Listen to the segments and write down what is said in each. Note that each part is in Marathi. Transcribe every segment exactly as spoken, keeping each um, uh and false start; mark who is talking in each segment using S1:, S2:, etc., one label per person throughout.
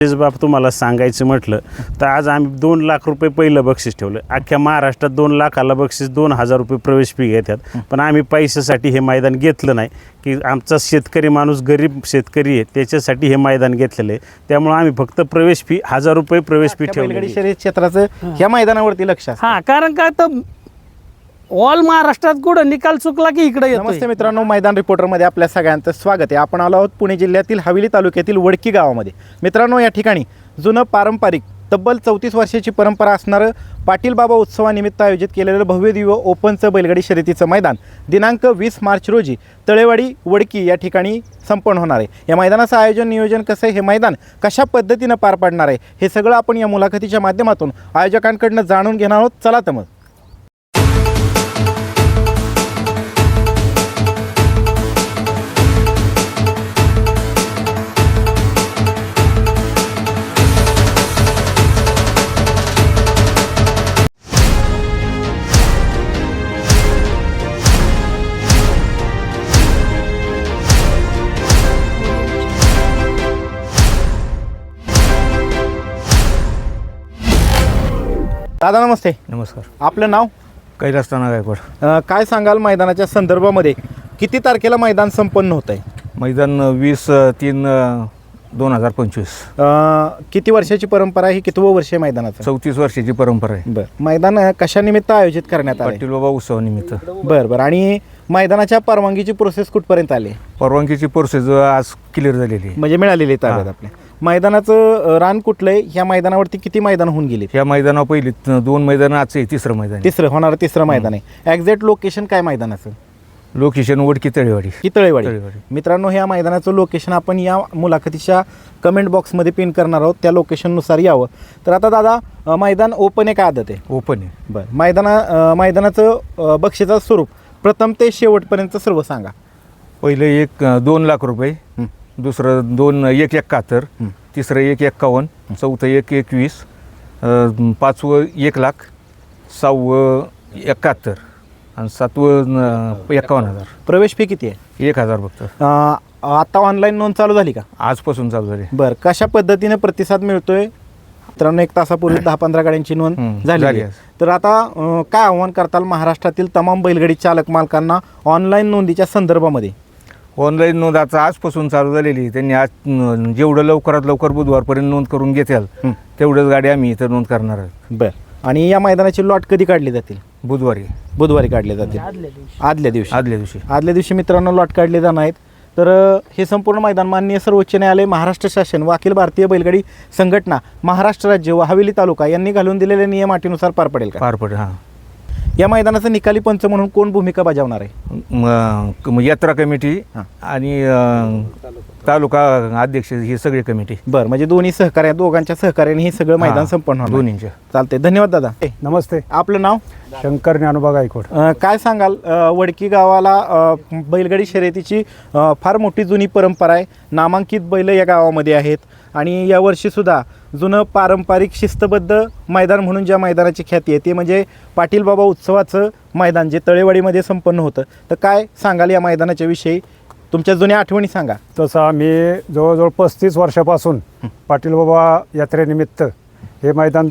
S1: बाप तुम्हाला सांगायचं म्हटलं तर आज आम्ही दोन लाख रुपये पहिलं बक्षीस ठेवलं. अख्ख्या महाराष्ट्रात दोन लाखाला बक्षीस दोन हजार रुपये प्रवेश फी घेतात. पण आम्ही पैशासाठी हे मैदान घेतलं नाही की आमचा शेतकरी माणूस गरीब शेतकरी आहे त्याच्यासाठी हे मैदान घेतलेलं आहे. त्यामुळे आम्ही फक्त प्रवेश फी हजार रुपये प्रवेश फी ठेवली.
S2: शर्यत क्षेत्राचं ह्या मैदानावरती लक्ष असतं.
S3: हा कारण काय तर ऑल महाराष्ट्रात कुठं निकाल चुकला की इकडे येतो.
S2: नमस्ते मित्रांनो, मैदान रिपोर्टरमध्ये आपल्या सगळ्यांचं स्वागत आहे. आपण आलो आहोत पुणे जिल्ह्यातील हवेली तालुक्यातील वडकी गावामध्ये. मित्रांनो, या ठिकाणी जुनं पारंपरिक तब्बल चौतीस वर्षाची परंपरा असणारं पाटील बाबा उत्सवानिमित्त आयोजित केलेलं भव्य दिव्य ओपनचं बैलगाडी शर्यतीचं मैदान दिनांक वीस मार्च रोजी तळेवाडी वडकी या ठिकाणी संपन्न होणार आहे. या मैदानाचं आयोजन नियोजन कसं आहे, हे मैदान कशा पद्धतीनं पार पाडणार आहे, हे सगळं आपण या मुलाखतीच्या माध्यमातून आयोजकांकडनं जाणून घेणार आहोत. चला तर मग. दादा नमस्ते.
S4: नमस्कार.
S2: आपलं नाव?
S4: कैलास ताना गायकवाड.
S2: अ, काय सांगाल मैदानाच्या संदर्भामध्ये, किती तारखेला मैदान संपन्न होत आहे?
S4: मैदान वीस तीन दोन हजार पंचवीस.
S2: किती वर्षाची परंपरा आहे? कितवं वर्ष आहे मैदानाचं?
S4: चौतीस वर्षाची परंपरा आहे.
S2: बरं, मैदान कशानिमित्त आयोजित करण्यात आलं?
S4: पाटील बाबा उत्सवानिमित्त.
S2: बरं बरं. आणि मैदानाच्या परवानगीची प्रोसेस कुठपर्यंत आली?
S4: परवानगीची प्रोसेस आज क्लिअर झालेली आहे.
S2: म्हणजे मिळालेली आहे ताब्यात आपल्या. मैदानाचं रान कुठलं आहे? ह्या मैदानावरती किती मैदान होऊन गेली?
S4: ह्या मैदानावर पहिली दोन मैदान, आजचं आहे तिसरं मैदान.
S2: तिसरं होणारं तिसरं मैदान आहे. एक्झॅक्ट लोकेशन काय मैदानाचं?
S4: लोकेशन वडकी तळेवाडी.
S2: की तळेवाडी.
S4: तळेवाडी.
S2: मित्रांनो, ह्या मैदानाचं लोकेशन आपण या मुलाखतीच्या कमेंट बॉक्समध्ये पिन करणार आहोत. त्या लोकेशननुसार यावं. तर आता दादा, मैदान ओपन आहे का आदत आहे?
S4: ओपन आहे.
S2: बरं. मैदाना मैदानाचं बक्षीचं स्वरूप प्रथम ते शेवटपर्यंत सर्व सांगा.
S4: पहिलं एक दोन लाख रुपये, दुसरं दोन एक एकाहत्तर, तिसरं एक एक्कावन्न, चौथं एक एकवीस, पाचवं एक लाख, सहावं एकाहत्तर आणि सातवं एक्कावन्न हजार.
S2: प्रवेश फी किती आहे?
S4: एक हजार फक्त.
S2: अं, आता ऑनलाईन नोंद चालू झाली का?
S4: आजपासून चालू झाली.
S2: बरं. कशा पद्धतीने प्रतिसाद मिळतोय? मित्रांनो, एक तासापूर्वी दहा पंधरा गाड्यांची नोंद
S4: हम्म,
S2: झाली
S4: झाली
S2: आहे.
S4: आहे.
S2: तर आता अं, काय आव्हान करताल महाराष्ट्रातील तमाम बैलगाडी चालक मालकांना ऑनलाईन नोंदीच्या संदर्भामध्ये?
S4: ऑनलाईन नोंद आता आजपासून चालू झालेली आहे. त्यांनी आज न, जेवढं लवकरात लवकर बुधवारपर्यंत नोंद करून घेताल तेवढंच गाडी आम्ही इथं नोंद करणार आहोत.
S2: बरं. आणि या मैदानाची लॉट कधी काढली जातील?
S4: बुधवारी.
S2: बुधवारी काढले जातील.
S3: आदल्या दिवशी.
S2: आदल्या दिवशी
S4: आदल्या दिवशी
S2: आदल्या दिवशी मित्रांनो लॉट काढले जाणार आहेत. तर अ, हे संपूर्ण मैदान माननीय सर्वोच्च न्यायालय, महाराष्ट्र शासन व अखिल भारतीय बैलगाडी संघटना, महाराष्ट्र राज्य व हवेली तालुका यांनी घालून दिलेल्या नियम अटीनुसार पार पडेल का?
S4: पार पडेल. हां.
S2: या मैदानाचं निकाली पंच म्हणून कोण भूमिका बजावणार आहे?
S4: म- क- यात्रा कमिटी
S2: हां.
S4: आणि अ, तालुका अध्यक्ष ही सगळी कमिटी.
S2: बरं. म्हणजे दोन्ही सहकार्य दोघांच्या सहकार्याने हे सगळं मैदान
S4: हां,
S2: संपन्न होणार.
S4: दोन्हींच्या.
S2: चालते. धन्यवाद दादा. ए,
S5: नमस्ते.
S2: आपलं नाव?
S5: शंकर ज्ञानोबा गायकवाड.
S2: अ, काय सांगाल? अ, वडकी गावाला अ, बैलगाडी शर्यतीची अ, फार मोठी जुनी परंपरा आहे. नामांकित बैल या गावामध्ये आहेत आणि यावर्षीसुद्धा जुनं पारंपरिक शिस्तबद्ध मैदान म्हणून ज्या मैदानाची ख्याती आहे ते म्हणजे पाटील बाबा उत्सवाचं मैदान जे तळेवाडीमध्ये संपन्न होतं. तर काय सांगाल या मैदानाच्या विषयी? तुमच्या जुन्या आठवणी सांगा.
S5: तसं आम्ही जवळजवळ पस्तीस वर्षापासून पाटील बाबा यात्रेनिमित्त हे मैदान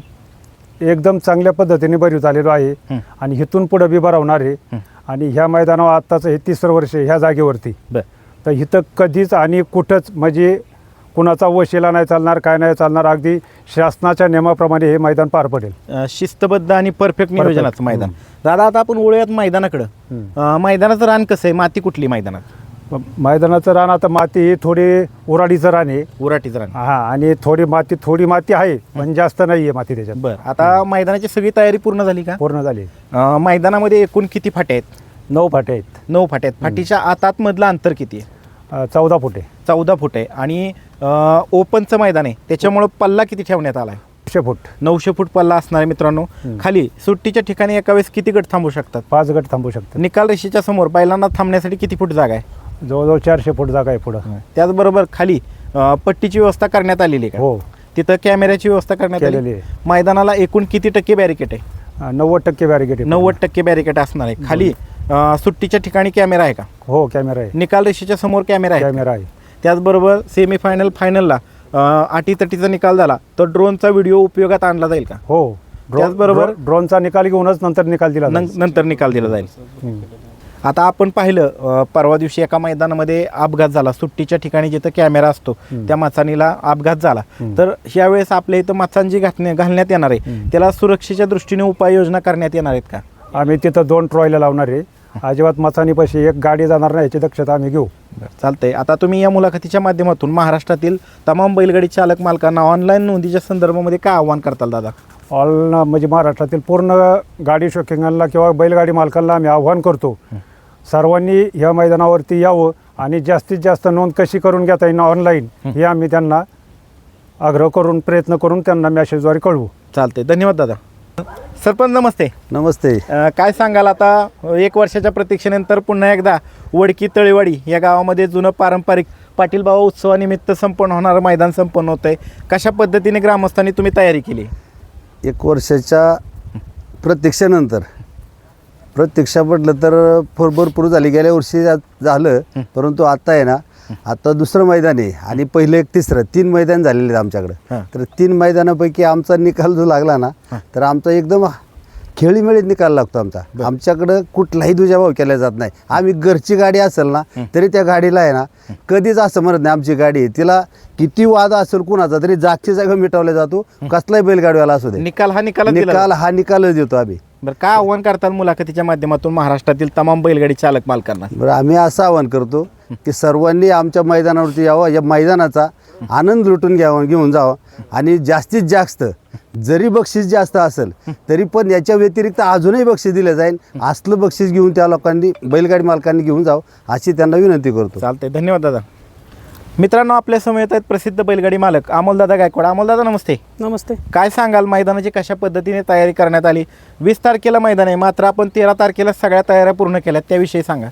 S5: एकदम चांगल्या पद्धतीने भरवत आलेलो आहे आणि इथून पुढं बी भरवणार आहे. आणि ह्या मैदानावर आत्ताचं हे तिसरं वर्ष ह्या जागेवरती.
S2: बरं.
S5: तर इथं कधीच आणि कुठंच म्हणजे कुणाचा वशिला नाही चालणार, काय नाही चालणार. अगदी शासनाच्या नियमाप्रमाणे हे मैदान पार पडेल.
S2: अ, शिस्तबद्ध आणि परफेक्ट नियोजनाचं मैदान. दादा, आता आपण वळूयात मैदानाकडं. अ, मैदानाचं रान कसं आहे? माती कुठली मैदानात?
S5: मग मैदानाचं रान आता माती ही थोडी उराडीचं रान आहे.
S2: उराटीचं रान.
S5: हा. आणि थोडी माती थोडी माती आहे पण जास्त नाही आहे माती त्याच्यात.
S2: बरं. आता मैदानाची सगळी तयारी पूर्ण झाली का?
S5: पूर्ण झाली.
S2: अ, मैदानामध्ये एकूण किती फाटे आहेत?
S5: नऊ फाटे आहेत.
S2: नऊ फाटे आहेत. फाटीच्या आत आतमधलं अंतर किती आहे?
S5: अ, चौदा फुटे.
S2: चौदा फूट आहे. आणि अ, ओपनचं मैदान आहे त्याच्यामुळं पल्ला किती ठेवण्यात आला आहे?
S5: एकशे फूट.
S2: नऊशे फूट पल्ला असणार आहे मित्रांनो. खाली सुट्टीच्या ठिकाणी एका वेळेस किती गट थांबू शकतात?
S5: पाच गट थांबू शकतात.
S2: निकाल रेषेच्या समोर बैलांना थांबण्यासाठी किती फूट जागा आहे?
S5: जवळजवळ चारशे फूट जागा आहे पुढं.
S2: त्याचबरोबर खाली अ, पट्टीची व्यवस्था करण्यात आलेली आहे का?
S5: हो,
S2: तिथं कॅमेऱ्याची व्यवस्था करण्यात आलेली
S5: केलेली
S2: आहे.
S5: आहे.
S2: मैदानाला एकूण किती टक्के बॅरिकेड आहे?
S5: नव्वद टक्के बॅरिकेड.
S2: नव्वद टक्के बॅरिकेड असणार आहे. खाली अ, सुट्टीच्या ठिकाणी कॅमेरा आहे का?
S5: हो, कॅमेरा आहे.
S2: निकाल रेषेच्या समोर कॅमेरा आहे.
S5: कॅमेरा आहे.
S2: त्याचबरोबर सेमीफायनल फायनलला अं, अटीतटीचा निकाल झाला तर ड्रोनचा व्हिडिओ उपयोगात आणला जाईल का?
S5: हो ड्रो-
S2: त्याचबरोबर-
S5: ड्रो- ड्रोनचा निकाल घेऊनच नंतर निकाल दिला
S2: नं-
S5: जाईल.
S2: नंतर निकाल दिला जाईल.
S5: हम्म.
S2: आता आपण पाहिलं अं, परवा दिवशी एका मैदानामध्ये अपघात झाला, सुट्टीच्या ठिकाणी जिथं कॅमेरा असतो त्या माचानीला अपघात झाला. तर यावेळेस आपल्या इथं माचान जी घातणे घालण्यात येणार आहे त्याला सुरक्षेच्या दृष्टीने उपाययोजना करण्यात येणार आहेत का?
S5: आम्ही तिथं दोन ट्रॉयला लावणार आहे. अजिबात मचानीपाशी एक गाडी जाणार नाही याची दक्षता आम्ही घेऊ.
S2: चालतंय. आता तुम्ही या मुलाखतीच्या माध्यमातून महाराष्ट्रातील तमाम बैलगाडी चालक मालकांना ऑनलाईन नोंदीच्या संदर्भामध्ये काय आव्हान करताल दादा?
S5: ऑल म्हणजे महाराष्ट्रातील पूर्ण गाडी शौकिंगांना किंवा बैलगाडी मालकांना आम्ही आव्हान करतो, सर्वांनी या मैदानावरती यावं आणि जास्तीत जास्त नोंद कशी करून घेता येईल ऑनलाईन हे आम्ही त्यांना आग्रह करून प्रयत्न करून त्यांना मेसेजद्वारे कळवू.
S2: चालतंय. धन्यवाद दादा. सरपंच नमस्ते.
S6: नमस्ते.
S2: अ, काय सांगाल आता एक वर्षाच्या प्रतीक्षेनंतर पुन्हा एकदा वडकी तळेवाडी या गावामध्ये जुनं पारंपरिक पाटील बाबा उत्सवानिमित्त संपन्न होणारं मैदान संपन्न होतं आहे. कशा पद्धतीने ग्रामस्थांनी तुम्ही तयारी केली?
S6: एक वर्षाच्या प्रतीक्षेनंतर प्रतीक्षा म्हटलं तर भर भरपूर झाली. गेल्या वर्षी जा- झालं, परंतु आता आहे ना, आता दुसरं मैदान आहे आणि पहिलं एक तिसरं तीन मैदान झालेले आहेत आमच्याकडं.
S2: हां.
S6: तर तीन मैदानापैकी आमचा निकाल जो लागला ना, तर आमचा एकदम खेळीमेळीत निकाल लागतो आमचा. आमच्याकडं कुठलाही दुजाभाव केला जात नाही. आम्ही घरची गाडी असेल ना तरी त्या गाडीला आहे ना कधीच असं म्हणत नाही आमची गाडी आहे, तिला किती वाद असेल कुणाचा तरी जागची जागा मिटवला जातो, कसलाही बैलगाडीवाला असू दे.
S2: निकाल हा निकाल
S6: निकाल हा निकालच देतो आम्ही.
S2: बरं, काय आव्हान करताल मुलाखतीच्या माध्यमातून महाराष्ट्रातील तमाम बैलगाडी चालक मालकांना?
S6: बरं, आम्ही असं आवाहन करतो की सर्वांनी आमच्या मैदानावरती यावं, या मैदानाचा आनंद लुटून घ्यावा घेऊन जावं आणि जास्तीत जास्त जरी बक्षीस जास्त असेल तरी पण याच्या व्यतिरिक्त अजूनही बक्षीस दिलं जाईल, असलं बक्षीस घेऊन त्या लोकांनी बैलगाडी मालकांनी घेऊन जावं अशी त्यांना विनंती करतो.
S2: चालतंय. धन्यवाद दादा. मित्रांनो, आपल्या समोर येत आहेत प्रसिद्ध बैलगाडी मालक अमोलदादा गायकवाड. अमोलदादा नमस्ते.
S3: नमस्ते.
S2: काय सांगाल मैदानाची कशा पद्धतीने तयारी करण्यात आली? वीस तारखेला मैदान आहे, मात्र आपण तेरा तारखेला सगळ्या तयाऱ्या पूर्ण केल्या, त्याविषयी सांगा.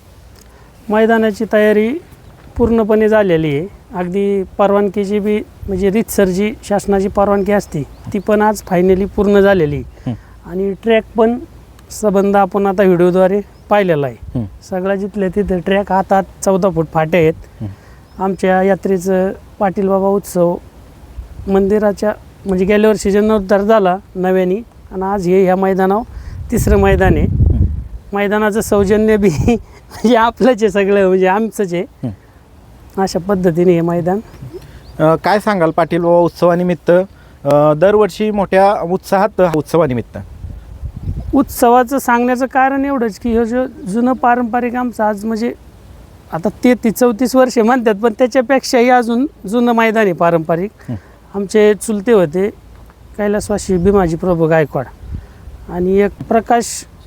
S3: मैदानाची तयारी पूर्णपणे झालेली आहे. अगदी परवानगीची बी म्हणजे रीतसर जी शासनाची परवानगी असते ती पण आज फायनली पूर्ण झालेली आहे. आणि ट्रॅक पण संबंध आपण आता व्हिडिओद्वारे पाहिलेला आहे. सगळ्या जिथल्या तिथे ट्रॅक हात हात चौदा फूट फाटे आहेत. आमच्या यात्रेचं पाटील बाबा उत्सव मंदिराच्या म्हणजे गेल्या वर्षी जीर्णोद्धार झाला नव्याने आणि आज हे ह्या मैदानावर तिसरं मैदान आहे. मैदानाचं सौजन्य बी म्हणजे आपलंच आहे, सगळं म्हणजे आमचंच आहे. अशा पद्धतीने हे मैदान.
S2: अ, काय सांगाल पाटील बाबा उत्सवानिमित्त अ, दरवर्षी मोठ्या उत्साहात उत्सवानिमित्त
S3: उत्सवाचं सांगण्याचं कारण एवढंच की हे जो जुनं पारंपरिक आमचं आज म्हणजे आता ते ती चौतीस वर्षे म्हणतात पण त्याच्यापेक्षाही अजून जुनं मैदान आहे पारंपरिक. आमचे चुलते होते कैलासवासी भीमाजी प्रभू गायकवाड आणि एक प्रकाश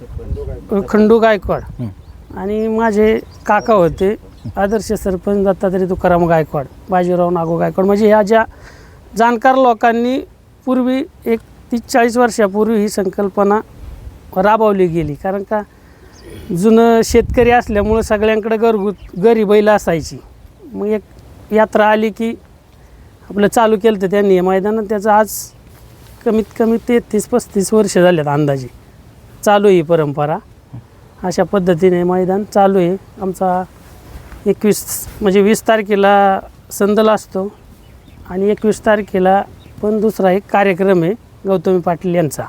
S3: खंडू गायकवाड आणि माझे काका होते आदर्श सरपंच दत्तात्रय तुकाराम गायकवाड, बाजीराव नागो गायकवाड. म्हणजे ह्या ज्या जाणकार लोकांनी पूर्वी एक तीस चाळीस वर्षापूर्वी ही संकल्पना राबवली गेली. कारण का जुनं शेतकरी असल्यामुळं सगळ्यांकडे घरगुत घरी बैल असायची. मग एक यात्रा आली की आपलं चालू केलं तर त्यांनी हे मैदान. त्याचं आज कमीत कमी तेहतीस पस्तीस वर्ष झालेत अंदाजे चालू आहे ही परंपरा. अशा पद्धतीने मैदान चालू आहे. आमचा एकवीस म्हणजे वीस तारखेला संदल असतो आणि एकवीस तारखेला पण दुसरा एक कार्यक्रम आहे गौतमी पाटील यांचा.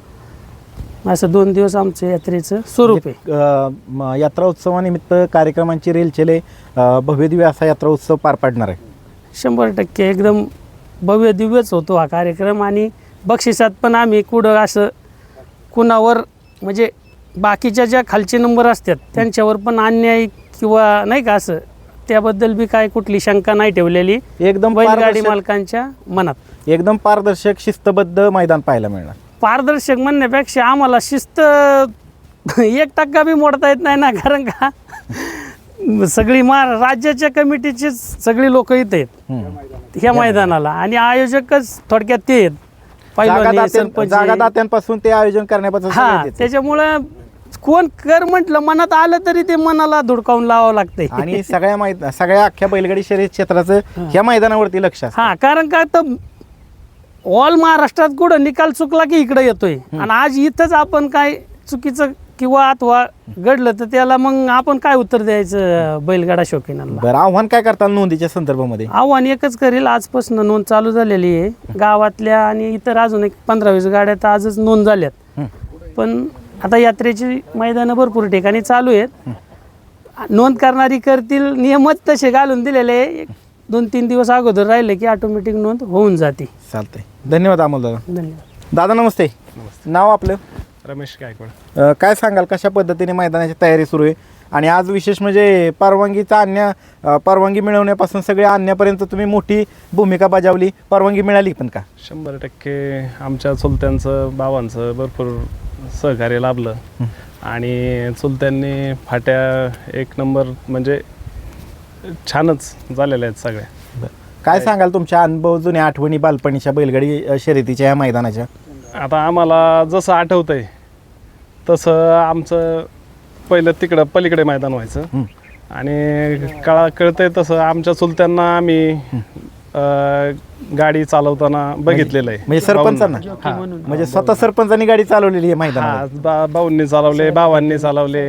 S3: असं दोन दिवस आमचं यात्रेचं स्वरूप आहे.
S2: अ, म, यात्रा उत्सवानिमित्त कार्यक्रमांची रेलचेले अ, भव्यदिव्य असा यात्रा उत्सव पार पाडणार आहे.
S3: शंभर टक्के एकदम भव्य दिव्यच होतो हा कार्यक्रम. आणि बक्षिसात पण आम्ही कुठं असं कुणावर म्हणजे बाकीच्या ज्या खालचे नंबर असतात त्यांच्यावर पण अन्याय किंवा नाही का असं त्याबद्दल बी काय कुठली शंका नाही ठेवलेली
S2: एकदम
S3: बैलगाडी
S2: पारदर्शक-
S3: मालकांच्या मनात.
S2: एकदम पारदर्शक शिस्तबद्ध मैदान पाहायला मिळणार.
S3: पारदर्शक म्हणण्यापेक्षा आम्हाला शिस्त एक टक्का बी मोडता येत नाही ना. कारण का सगळी मा राज्याच्या कमिटीची सगळी लोक इथे आहेत ह्या मैदानाला आणि आयोजकच थोडक्यात ते आहेत. पहिलवान,
S2: जागादात्यां-
S3: सरपंच.
S2: जागादात्यांपासून ते आयोजन करण्यापासून
S3: हा
S2: सगळं तेच.
S3: त्याच्यामुळं कोण कर म्हटलं मनात आलं तरी ते मनाला धुडकावून लावावं लागतंय.
S2: आणि सगळ्या मैदान सगळ्या अख्ख्या बैलगाडी शर्यत क्षेत्राचं ह्या मैदानावरती लक्ष असतं.
S3: हा कारण का तर ऑल महाराष्ट्रात कुठं निकाल चुकला की इकडे येतोय आणि आज इथंच आपण काय चुकीचं किंवा अथवा घडलं तर त्याला मग आपण काय उत्तर द्यायचं बैलगाडा शौकीनांना.
S2: बरं, आव्हान काय करताल नोंदीच्या संदर्भामध्ये?
S3: आव्हान एकच करेल, आजपासून नोंद चालू झालेली आहे गावातल्या आणि इतर अजून एक पंधरा वीस गाड्या तर आजच नोंद झाल्यात. पण आता यात्रेची मैदानं भरपूर ठिकाणी चालू आहेत. नोंद करणारी करतील, नियमच तसे घालून दिलेले आहे. एक दोन तीन दिवस अगोदर राहिले की ऑटोमॅटिक नोंद होऊन जाते.
S2: चालतंय, धन्यवाद अमोल दादा.
S3: धन्यवाद.
S2: दादा नमस्ते. नाव आपलं?
S1: रमेश गायकवाड.
S2: अ, काय सांगाल कशा पद्धतीने मैदानाची तयारी सुरू आहे आणि आज विशेष म्हणजे परवानगीचा आणण्या अ, परवानगी मिळवण्यापासून सगळे आणण्यापर्यंत तुम्ही मोठी भूमिका बजावली. परवानगी मिळाली पण का?
S7: शंभर टक्के आमच्या चुलत्यांचं बाबांचं भरपूर सहकार्य लाभलं आणि चुलत्यांनी फाट्या एक नंबर म्हणजे छानच झालेल्या आहेत सगळ्या.
S2: काय सांगाल तुमच्या अनुभव, जुन्या आठवणी बालपणीच्या बैलगाडी अ, शर्यतीच्या या मैदानाच्या?
S7: आता आम्हाला जसं आठवतंय तसं आमचं पहिलं तिकडं पलीकडे मैदान व्हायचं आणि कळा कळतंय तसं आमच्या चुलत्यांना आम्ही अं, गाडी चालवताना बघितलेलं आहे.
S2: म्हणजे सरपंचांना?
S7: हा.
S2: म्हणजे स्वतः सरपंचांनी गाडी चालवलेली आहे मैदानात?
S7: हा, बा भाऊंनी चालवले, भावांनी चालवले,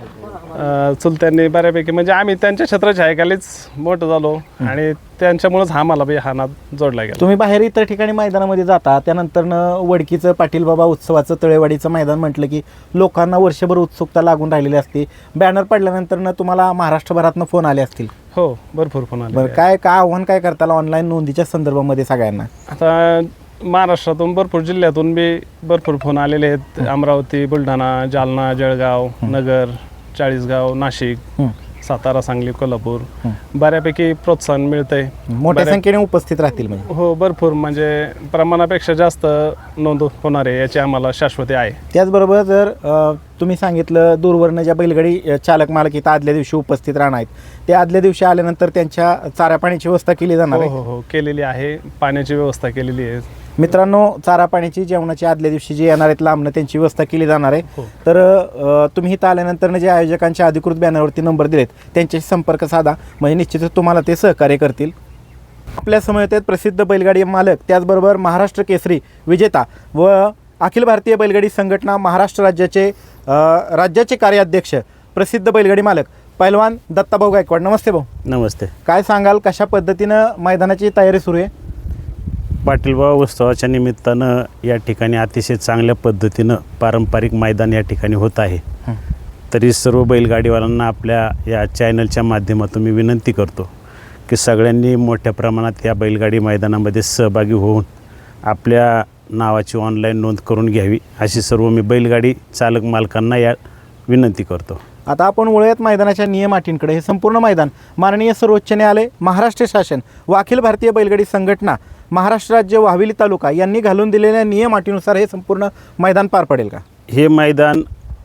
S7: अं, चुलत्यांनी बऱ्यापैकी म्हणजे आम्ही त्यांच्या छत्रछायाखालीच मोठं झालो आणि त्यांच्यामुळेच हा मला बी हा नाद जोडला गेला.
S2: तुम्ही बाहेर इतर ठिकाणी मैदानामध्ये जाता, त्यानंतर वडकीचं पाटील बाबा उत्सवाचं तळेवाडीचं मैदान म्हटलं की लोकांना वर्षभर उत्सुकता लागून राहिलेली असते. बॅनर पडल्यानंतर तुम्हाला महाराष्ट्रभरातनं फोन आले असतील?
S7: हो, भरपूर फोन आले.
S2: बरं, काय काय आव्हान काय करताल ऑनलाईन नोंदीच्या संदर्भामध्ये सगळ्यांना?
S7: आता महाराष्ट्रातून भरपूर जिल्ह्यातून बी भरपूर फोन आलेले आहेत. अमरावती, बुलढाणा, जालना, जळगाव, नगर, चाळीसगाव, नाशिक, सातारा, सांगली, कोल्हापूर बऱ्यापैकी प्रोत्साहन मिळतंय.
S2: मोठ्या
S7: बऱ्या-
S2: संख्येने उपस्थित राहतील म्हणजे?
S7: हो, भरपूर म्हणजे प्रमाणापेक्षा जास्त नोंद होणार आहे याची आम्हाला शाश्वती आहे.
S2: त्याचबरोबर जर अ, तुम्ही सांगितलं दूरवरनं ज्या बैलगाडी अ, चालक मालक इथं आदल्या दिवशी उपस्थित राहणार आहेत, ते आदल्या दिवशी आल्यानंतर त्यांच्या चारा पाण्याची व्यवस्था केली जाणार
S7: हो
S2: आहे?
S7: हो हो केलेली आहे. पाण्याची व्यवस्था केलेली आहे.
S2: मित्रांनो, चारा पाण्याची, जेवणाची आदल्या दिवशी जे येणार आहेत लांबणं त्यांची व्यवस्था केली जाणार आहे.
S7: हो.
S2: तर अ, तुम्ही इथं आल्यानंतर जे आयोजकांच्या अधिकृत बॅनरवरती नंबर दिलेत त्यांच्याशी संपर्क साधा, म्हणजे निश्चितच तुम्हाला ते सहकार्य करतील. आपल्या समवेत आहेत प्रसिद्ध बैलगाडी मालक, त्याचबरोबर महाराष्ट्र केसरी विजेता व अखिल भारतीय बैलगाडी संघटना महाराष्ट्र राज्याचे अ, राज्याचे कार्याध्यक्ष, प्रसिद्ध बैलगाडी मालक पैलवान दत्ताभाऊ गायकवाड. नमस्ते भाऊ.
S1: नमस्ते.
S2: काय सांगाल कशा पद्धतीनं मैदानाची तयारी सुरू आहे?
S1: पाटीलबाबा उत्सवाच्या निमित्तानं या ठिकाणी अतिशय चांगल्या पद्धतीनं पारंपरिक मैदान या ठिकाणी होत आहे. तरी सर्व बैलगाडीवाल्यांना आपल्या या चॅनलच्या माध्यमातून मी विनंती करतो की सगळ्यांनी मोठ्या प्रमाणात या बैलगाडी मैदानामध्ये सहभागी होऊन आपल्या नावाची ऑनलाईन नोंद करून घ्यावी, अशी सर्व मी बैलगाडी चालक मालकांना या विनंती करतो.
S2: आता आपण वळूयात मैदानाच्या नियम अटींकडे. हे संपूर्ण मैदान माननीय सर्वोच्च न्यायालय, महाराष्ट्र शासन व अखिल भारतीय बैलगाडी संघटना महाराष्ट्र राज्य व हवेली तालुका यांनी घालून दिलेल्या नियम अटीनुसार हे संपूर्ण मैदान पार पडेल का?
S1: हे मैदान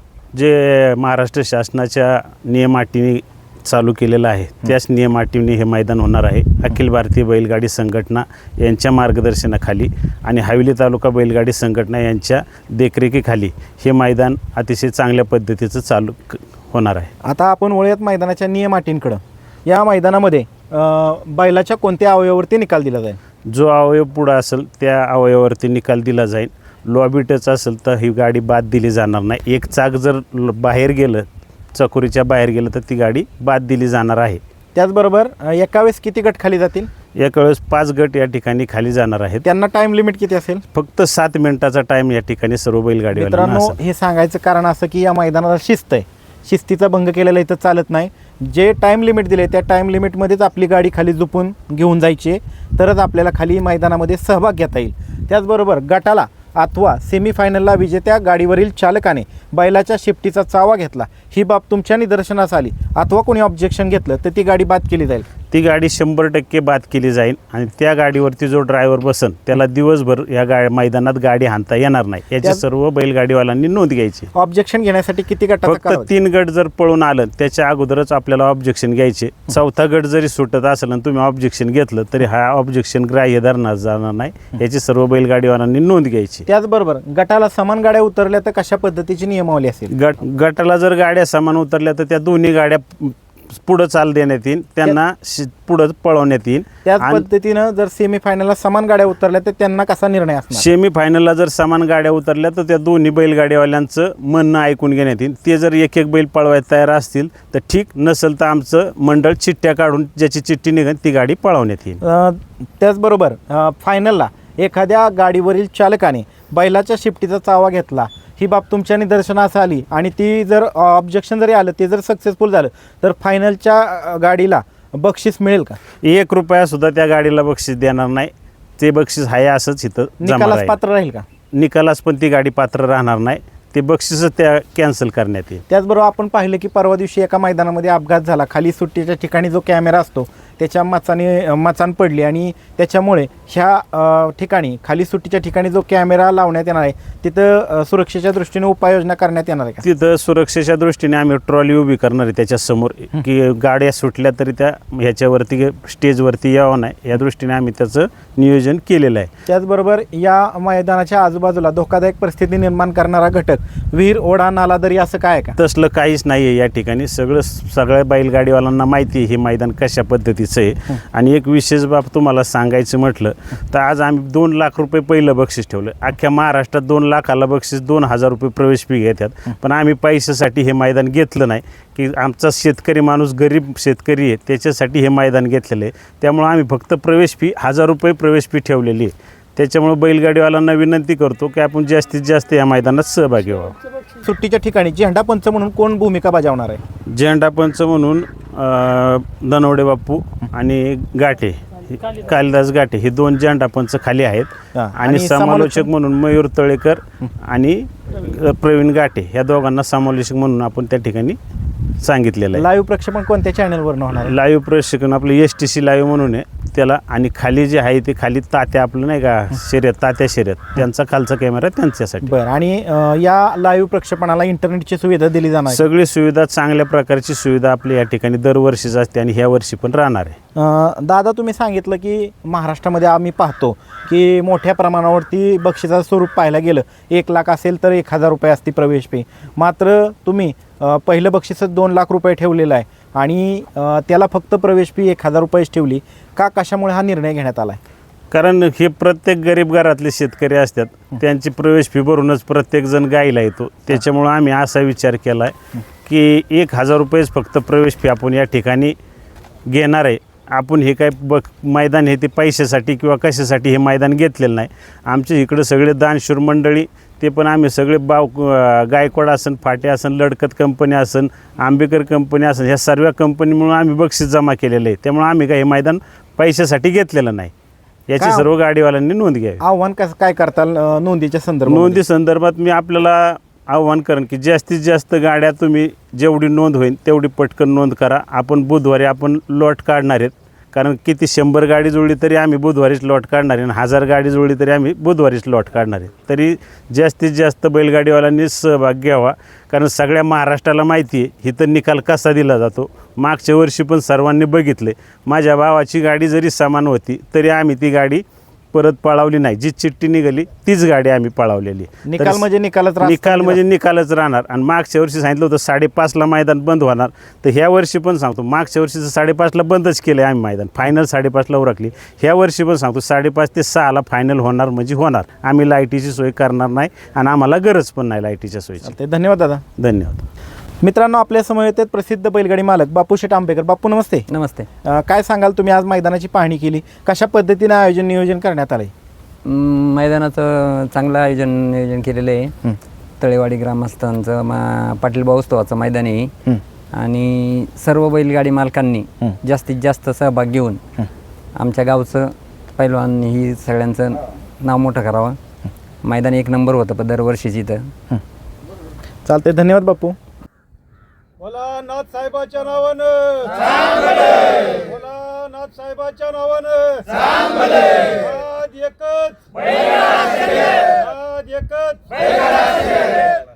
S1: जे महाराष्ट्र शासनाच्या नियम अटीने चालू केलेलं आहे त्याच नियम अटीने हे मैदान होणार आहे. अखिल भारतीय बैलगाडी संघटना यांच्या मार्गदर्शनाखाली आणि हवेली तालुका बैलगाडी संघटना यांच्या देखरेखीखाली हे मैदान अतिशय चांगल्या पद्धतीचं चालू क- होणार आहे.
S2: आता आपण वळूयात मैदानाच्या नियम अटींकडं. या मैदानामध्ये अ, बैलाच्या कोणत्या अवयवावरती निकाल दिला जाईल?
S1: जो अवयव पुढं असेल त्या अवयवावरती निकाल दिला जाईल. लॉबी टच असेल तर ही गाडी बाद दिली जाणार नाही. एक चाक जर ल- बाहेर गेलं, चकोरीच्या बाहेर गेलं, तर ती गाडी बाद दिली जाणार आहे.
S2: त्याचबरोबर अ, एका वेळेस किती गट खाली जातील?
S1: एका वेळेस पाच गट या ठिकाणी खाली जाणार आहेत.
S2: त्यांना टाइम लिमिट किती असेल?
S1: फक्त सात मिनिटाचा टाइम या ठिकाणी सर्व बैलगाडीवाल्यांना
S2: मित्रांनो,
S1: असेल.
S2: हे सांगायचं कारण असं की या मैदानाला शिस्त आहे. शिस्तीचा भंग केलेला इथं चालत नाही. जे टाईम लिमिट दिले त्या टाईम लिमिटमध्येच आपली गाडी खाली झोपून घेऊन जायची आहे, तरच आपल्याला खाली मैदानामध्ये सहभाग घेता येईल. त्याचबरोबर गटाला अथवा सेमीफायनलला विजेत्या गाडीवरील चालकाने बैलाच्या शिफ्टीचा चावा घेतला, ही बाब तुमच्या निदर्शनास आली अथवा कोणी ऑब्जेक्शन घेतलं तर ती गाडी बाद केली जाईल.
S1: ती गाडी शंभर टक्के बाद केली जाईल आणि त्या गाडीवरती जो ड्रायव्हर बसन त्याला दिवसभर या गा मैदानात गाडी हाणता येणार नाही, याची
S2: त्या-
S1: सर्व बैलगाडीवाल्यांनी नोंद घ्यायची.
S2: ऑब्जेक्शन घेण्यासाठी किती गटाचा
S1: फक्त
S2: कालावधी?
S1: तीन गट जर पळून आलं त्याच्या अगोदरच आपल्याला ऑब्जेक्शन घ्यायचे. चौथा गट जरी सुटत असेल आणि तुम्ही ऑब्जेक्शन घेतलं तरी हा ऑब्जेक्शन ग्राह्य धरणार जाणार नाही, याची सर्व बैलगाडीवाल्यांनी नोंद घ्यायची.
S2: त्याचबरोबर गटाला समान गाड्या उतरल्या तर कशा पद्धतीची नियमावली असेल?
S1: गट गटाला जर गाड्या समान उतरल्या तर त्या दोन्ही गाड्या पुढं चाल देण्यात येईल, त्यांना शि- पुढं पळवण्यात येईल.
S2: त्याच
S1: आणि
S2: पद्धतीनं जर सेमीफायनलला समान गाड्या उतरल्या तर त्यांना कसा निर्णय असणार?
S1: सेमी फायनलला जर समान गाड्या उतरल्या तर त्या दोन्ही बैलगाडीवाल्यांचं म्हणणं ऐकून घेण्यात येईल. ते जर एक एक बैल पळवायला तयार असतील तर ठीक, नसेल तर आमचं मंडळ चिठ्ठ्या काढून ज्याची चिठ्ठी निघेल ती गाडी पळवण्यात येईल.
S2: अ, त्याचबरोबर अ, फायनलला एखाद्या गाडीवरील चालकाने बैलाच्या शिफ्टीचा चावा घेतला, ही बाब तुमच्या निदर्शनास आली आणि ती जर ऑब्जेक्शन जरी आलं, ते जर सक्सेसफुल झालं तर फायनलच्या अ, गाडीला बक्षीस मिळेल का?
S1: एक रुपया सुद्धा त्या गाडीला बक्षीस देणार नाही. ते बक्षीस आहे असंच इथं जमा
S2: निकालास
S1: राहील.
S2: पात्र राहील का?
S1: निकालास पण ती गाडी पात्र राहणार नाही. ते बक्षीसच त्या कॅन्सल करण्यात येईल.
S2: त्याचबरोबर आपण पाहिलं की परवा दिवशी एका मैदानामध्ये अपघात झाला. खाली सुट्टीच्या ठिकाणी जो कॅमेरा असतो त्याच्या मचाने मचान पडली आणि त्याच्यामुळे ह्या अ, ठिकाणी खाली सुट्टीच्या ठिकाणी जो कॅमेरा लावण्यात येणार आहे तिथं अ, सुरक्षेच्या दृष्टीने उपाययोजना करण्यात येणार आहे का?
S1: तिथं सुरक्षेच्या दृष्टीने आम्ही ट्रॉली उभी करणार आहे त्याच्यासमोर, की गाड्या सुटल्या तरी त्या ह्याच्यावरती स्टेजवरती यावं नाही, या दृष्टीने आम्ही त्याचं नियोजन केलेलं आहे.
S2: त्याचबरोबर या मैदानाच्या आजूबाजूला धोकादायक परिस्थिती निर्माण करणारा घटक विहीर, ओढा, नाला, दरी असं काय आहे का?
S1: तसलं काहीच नाही आहे या ठिकाणी. सगळं सगळ्या बैलगाडीवाल्यांना माहिती आहे हे मैदान कशा पद्धतीचं आहे. आणि एक विशेष बाब तुम्हाला सांगायचं म्हटलं तर आज आम्ही दोन लाख रुपये पहिलं बक्षीस ठेवलं. अख्ख्या महाराष्ट्रात दोन लाखाला बक्षीस दोन हजार रुपये प्रवेश फी घेतात, पण आम्ही पैशासाठी हे मैदान घेतलं नाही. की आमचा शेतकरी माणूस गरीब शेतकरी आहे, त्याच्यासाठी हे मैदान घेतलेलं आहे. त्यामुळं आम्ही फक्त प्रवेश फी हजार रुपये प्रवेश फी ठेवलेली आहे. त्याच्यामुळे बैलगाडीवाल्यांना विनंती करतो की आपण जास्तीत जास्त या मैदानात सहभागी व्हावं.
S2: सुट्टीच्या ठिकाणी झेंडा पंच म्हणून कोण भूमिका बजावणार आहे?
S1: झेंडा पंच म्हणून अं, दनवडे बापू आणि गाठे, कालिदास गाठे हे दोन झेंडा पंच खाली आहेत.
S2: हा,
S1: आणि
S2: आणि
S1: समालोचक
S2: समालोचक
S1: म्हणून मयूर तळेकर आणि अ, प्रवीण गाठे ह्या दोघांना समालोचक म्हणून आपण त्या ठिकाणी सांगितलेलं आहे.
S2: लाईव्ह प्रक्षेपण कोणत्या चॅनलवरून होणार आहे?
S1: लाईव्ह प्रशिक्षण आपलं एस टी सी लाईव्ह म्हणून आहे त्याला. आणि खाली जे आहे ते खाली तात्या आपलं नाही का शर्यत, तात्या शर्यत, त्यांचा खालचा कॅमेरा त्यांच्यासाठी.
S2: बरं. आणि अ, या लाईव्ह प्रक्षेपणाला इंटरनेटची सुविधा दिली जाणार आहे?
S1: सगळी सुविधा, चांगल्या प्रकारची सुविधा आपली या ठिकाणी दरवर्षीच असते आणि ह्या वर्षी पण राहणार आहे.
S2: अ, दादा, तुम्ही सांगितलं की महाराष्ट्रामध्ये आम्ही पाहतो की मोठ्या प्रमाणावरती बक्षिसाचं स्वरूप पाहायला गेलं एक लाख असेल तर एक हजार रुपये असते प्रवेश फी. मात्र तुम्ही अ, पहिलं बक्षीसच दोन लाख रुपये ठेवलेलं आहे आणि अ, त्याला फक्त प्रवेश फी एक हजार रुपयेच ठेवली का? कशामुळे हा निर्णय घेण्यात आला आहे?
S1: कारण हे प्रत्येक गरीब घरातले शेतकरी असतात, त्यांची प्रवेश फी भरूनच प्रत्येकजण गायला येतो. त्याच्यामुळं आम्ही असा विचार केला आहे की एक हजार रुपयेच फक्त प्रवेश फी आपण या ठिकाणी घेणार आहे. आपण हे काय बघ मैदान हे ते पैशासाठी किंवा कशासाठी हे मैदान घेतलेलं नाही. आमच्या इकडं सगळे दानशूर मंडळी, ते पण आम्ही सगळे बाव गायकवाड असन, फाटे असन, लडकत कंपनी असन, आंबेकर कंपनी असन, ह्या सर्व कंपनीमुळे आम्ही बक्षीस जमा केलेलं आहे. त्यामुळे आम्ही काही हे मैदान पैशासाठी घेतलेलं नाही. याची
S2: का?
S1: सर्व गाडीवाल्यांनी नोंद घ्यावी.
S2: आव्हान कसं काय करताल अ, नोंदीच्या संदर्भात?
S1: नोंदी संदर्भात मी आपल्याला आव्हान करेन की जास्तीत जास्त गाड्या तुम्ही जेवढी नोंद होईल तेवढी पटकन नोंद करा. आपण बुधवारी आपण लॉट काढणार आहेत. कारण किती शंभर गाडी जुळली तरी आम्ही बुधवारीच लॉट काढणार आहे आणि हजार गाडी जुळली तरी आम्ही बुधवारीच लॉट काढणार आहे. तरी जास्तीत जास्त बैलगाडीवाल्यांनी सहभाग घ्यावा. कारण सगळ्या महाराष्ट्राला माहिती आहे इथं निकाल कसा दिला जातो. मागच्या वर्षी पण सर्वांनी बघितले. माझ्या भावाची गाडी जरी समान होती तरी आम्ही ती गाडी परत पळवली नाही. जी चिठ्ठी निघाली तीच गाडी आम्ही पळवलेली.
S2: निकाल म्हणजे निकालच राहतो.
S1: निकाल म्हणजे निकालच राहणार. आणि मागच्या वर्षी सांगितलं होतं साडेपाचला मैदान बंद होणार, तर ह्या वर्षी पण सांगतो मागच्या वर्षीचं साडेपाचला बंदच केलं आहे आम्ही मैदान. फायनल साडेपाचला उरकली. ह्या वर्षी पण सांगतो साडेपाच ते सहाला फायनल होणार म्हणजे होणार. आम्ही लाईटीची सोय करणार नाही आणि आम्हाला गरज पण नाही लाईटीच्या सोयीची.
S2: चालतंय. धन्यवाद दादा.
S1: धन्यवाद.
S2: मित्रांनो, आपल्या समोर येतात प्रसिद्ध बैलगाडी मालक बापू शेठ आंबेकर. बापू नमस्ते.
S8: नमस्ते.
S2: अ, काय सांगाल, तुम्ही आज मैदानाची पाहणी केली, कशा पद्धतीने आयोजन नियोजन करण्यात आलं आहे?
S8: म, मैदानाचं चांगलं आयोजन नियोजन केलेलं आहे. तळेवाडी ग्रामस्थांचं मा पाटीलभाऊ उत्सवाचं मैदान आहे आणि सर्व बैलगाडी मालकांनी जास्तीत जास्त सहभाग घेऊन आमच्या गावचं पैलवान ही सगळ्यांचं नाव मोठं करावं. मैदान एक नंबर होतं पण दरवर्षीच इथं.
S2: चालतंय. धन्यवाद बापू.
S5: बोला नाथ साहेबाच्या नावानं चांगले, बोला नाथ साहेबाच्या नावानं चांगले. नाद एकच, नाद एकच.